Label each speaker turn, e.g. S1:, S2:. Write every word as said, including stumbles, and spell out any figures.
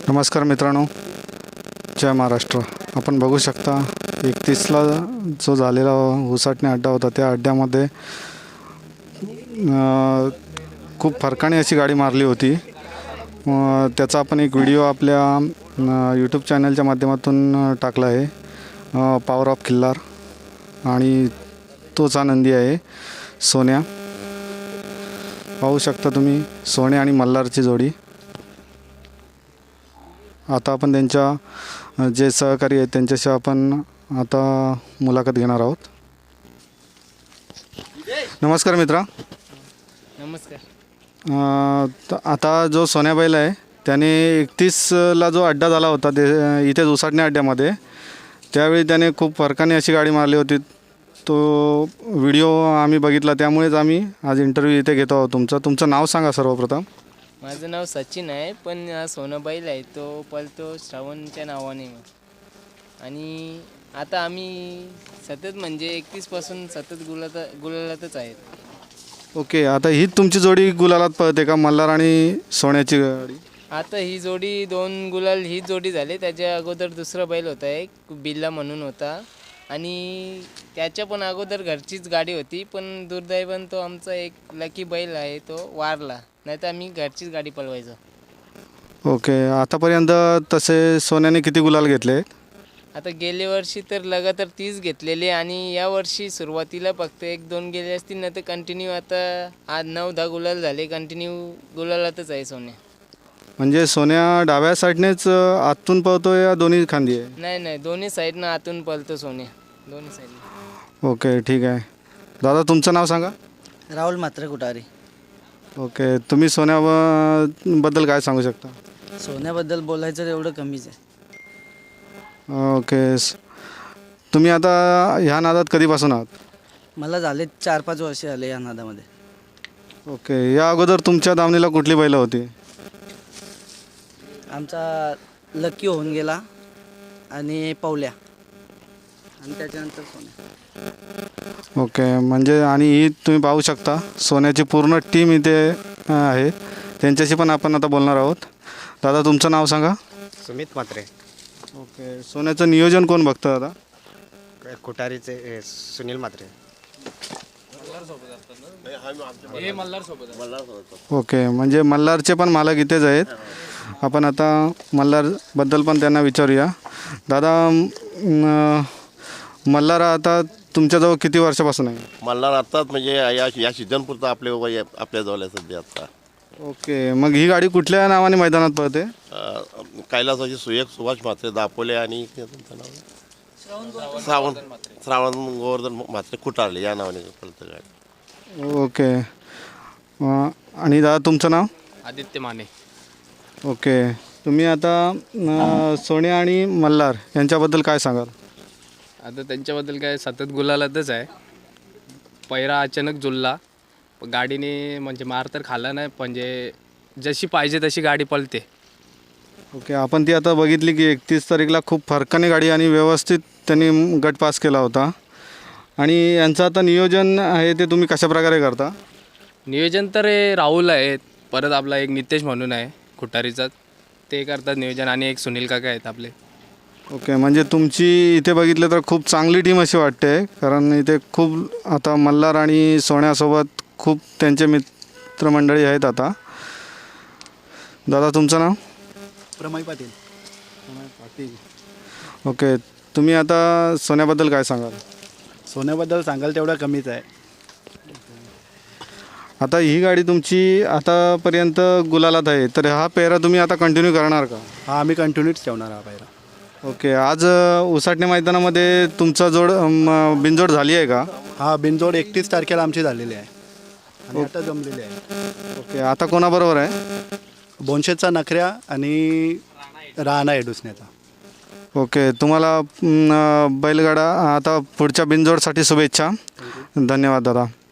S1: नमस्कार मित्रांनो, जय महाराष्ट्र. आपण बघू शकता एकतीसला जो झालेला उसाटणे अड्डा होता त्या अड्ड्यामध्ये खूप फरकाने अशी गाडी मारली होती. त्याचा आपण एक व्हिडिओ आपल्या यूट्यूब चॅनलच्या माध्यमातून टाकला आहे, पॉवर ऑफ खिल्लार, आणि तोच आनंदी आहे सोन्या. पाहू शकता तुम्ही सोन्या आणि मल्हारची जोडी. आता आपण त्यांच्या जे सहकारी आहेत त्यांच्याशी आपण आता मुलाखत घेणार आहोत. नमस्कार मित्रा.
S2: नमस्कार.
S1: आता जो सोन्या बैल आहे त्याने एकतीसला जो अड्डा झाला होता ते इथेच उसाटणे अड्ड्यामध्ये, त्यावेळी त्याने खूप फरकाने अशी गाडी मारली होती. तो व्हिडिओ आम्ही बघितला, त्यामुळेच आम्ही आज इंटरव्ह्यू इथे घेतो आहोत. तुमचं तुमचं नाव सांगा सर्वप्रथम.
S2: माझं नाव सचिन आहे, पण हा सोना बैल आहे तो पळतो श्रावणच्या नावाने. आणि आता आम्ही सतत म्हणजे एकतीसपासून सतत गुलात गुलालातच आहेत.
S1: ओके, आता हीच तुमची जोडी गुलालात पळते का, मल्हार आणि सोन्याची गाडी?
S2: आता ही जोडी दोन गुलाल ही जोडी झाली. त्याच्या अगोदर दुसरा बैल होता एक बिल्ला म्हणून होता, आणि त्याच्या पण अगोदर घरचीच गाडी होती. पण दुर्दैवाने तो आमचा एक लकी बैल आहे तो वारला, नाही तर आम्ही घरचीच गाडी पळवायचो.
S1: ओके, आतापर्यंत तसे सोन्याने किती गुलाल घेतले?
S2: आता गेल्या वर्षी तर लगातार तीस घेतलेले, आणि या वर्षी सुरुवातीला फक्त एक दोन गेले असतील, ना तर कंटिन्यू आता आज नऊ दहा गुलाल झाले. कंटिन्यू गुलालातच आहे सोन्या.
S1: म्हणजे सोन्या डाव्या साईडनेच आतून पळतो या दोन्ही खांदी आहे?
S2: नाही नाही, दोन्ही साईडनं आतून पळतो सोन्या, दोन्ही साईडनं.
S1: ओके, ठीक आहे. दादा तुमचं नाव सांगा.
S3: राहुल मात्र कुटारी.
S1: ओके, तुम्ही सोन्याबद्दल काय सांगू शकता?
S3: सोन्याबद्दल बोलायचं तर एवढं कमीच आहे.
S1: ओके, तुम्ही आता ह्या नादात कधीपासून आहात?
S3: मला झाले चार पाच वर्ष आले या नादामध्ये.
S1: ओके, या अगोदर तुमच्या दावणीला कुठली बैलं होती?
S3: आमचा लकी होऊन गेला, आणि पवल्या, आणि त्याच्यानंतर सोन्या.
S1: ओके, म्हणजे आणि ही तुम्ही पाहू शकता सोन्याची पूर्ण टीम इथे आहे. त्यांच्याशी पण आपण आता बोलणार आहोत. दादा तुमचं नाव सांगा.
S4: सुमित मात्रे.
S1: ओके, सोन्याचं नियोजन कोण बघतं दादा?
S4: कुटारीचे सुनील मात्रे.
S1: ओके, म्हणजे मल्हारचे पण मालक इथेच आहेत. आपण आता मल्हारबद्दल पण त्यांना विचारूया. दादा, मल्हार आता तुमच्याजवळ किती वर्षापासून आहे?
S5: मल्हार आत्ताच म्हणजे या या सीझनपुरतं आपले वय आपल्याजवळ आहे सध्या आता.
S1: ओके, मग ही गाडी कुठल्या नावाने मैदानात पळते?
S5: कैलासाची सुयक सुभाष म्हात्रे दापोले, आणि तुमचं नाव श्रावण श्रावण गोवर्धन म्हात्रे कुटारले या नावाने पळतं गाडी.
S1: ओके, आणि दादा तुमचं नाव?
S2: आदित्य माने.
S1: ओके, तुम्ही आता सोन्या आणि मल्हार यांच्याबद्दल काय सांगाल?
S6: आता त्यांच्याबद्दल काय, सतत गुलालातच आहे. पैरा अचानक जुळला, गाडीने म्हणजे मार तर खाला नाही, म्हणजे जशी पाहिजे तशी गाडी पळते.
S1: ओके, आपण ती आता बघितली की एकतीस तारीखला खूप फरकाने गाडी आणि व्यवस्थित त्यांनी गट पास केला होता. आणि यांचं आता नियोजन आहे ते तुम्ही कशाप्रकारे करता?
S6: नियोजन तर हे राहुल आहेत, परत आपला एक नितेश म्हणून आहे खुटारीचा, ते करतात नियोजन, आणि एक सुनील काका आहेत आपले.
S1: ओके, म्हणजे तुमची इथे बघितलं तर खूप चांगली टीम अशी वाटते, कारण इथे खूप आता मल्हार आणि सोन्यासोबत खूप त्यांचे मित्रमंडळी आहेत. आता दादा तुमचं नाव?
S3: प्रमय पाटील.
S1: ओके, तुम्ही आता सोन्याबद्दल काय सांगाल?
S7: सोन्याबद्दल सांगाल तेवढं कमीच आहे.
S1: आता ही गाडी तुमची आतापर्यंत गुलालात आहे, तर हा पेहरा तुम्ही आता कंटिन्यू करणार का?
S7: हा, आम्ही कंटिन्यूच ठेवणार हा पहिला.
S1: ओके, आज उसाटणे मैदानामध्ये तुमचा जोड म, बिनजोड झाली आहे का?
S7: हा, बिनजोड एकतीस तारखेला आमची झालेली आहे, आणि आता जमलेली आहे.
S1: ओके, आता कोणाबरोबर आहे?
S7: बोनशेचा नखऱ्या आणि राणा आहे डुसण्याचा.
S1: ओके, तुम्हाला म, बैलगाडा आता पुढच्या बिनजोडसाठी शुभेच्छा. धन्यवाद दादा.